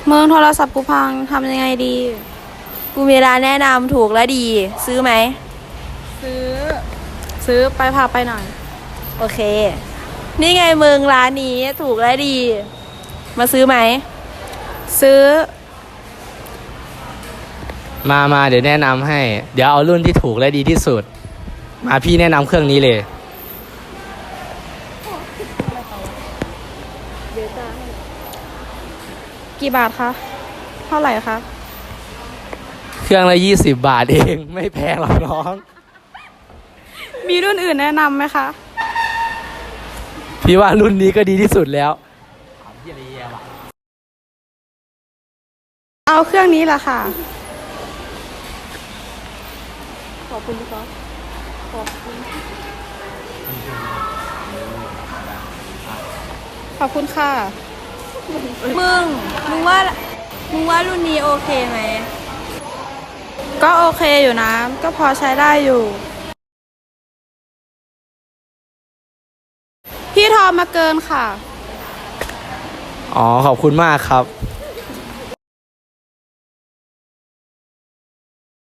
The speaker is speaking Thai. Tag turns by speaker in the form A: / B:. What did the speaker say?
A: เมืองโทรศัพท์กูพังทำยังไงดี กูมีร้านแนะนำถูกและดี ซื้อไหม ซื้อ ซื้อไปพาไปหน่อย โอเค นี่ไงมึงร้านนี้ถูกและดี มาซื้อไหม ซื้อ
B: มาเดี๋ยวแนะนำให้ เดี๋ยวเอารุ่นที่ถูกและดีที่สุด มาพี่แนะนำเครื่องนี้เลย
A: กี่บาทคะ เท่าไหร่คะ
B: เครื่องละ20 บาทเอง ไม่แพงหรอกน้อง
A: มีรุ่นอื่นแนะนำไหมคะ
B: พี่ว่ารุ่นนี้ก็ดีที่สุดแล้ว
A: เอาเครื่องนี้แหละค่ะ ขอบคุณครับขอบคุณค่ะ มึงว่ารุ่นนี้โอเคไหม ก็โอเคอยู่นะ ก็พอใช้ได้อยู่ พี่ทอมาเกินค่ะ
B: อ๋อขอบคุณมากครับ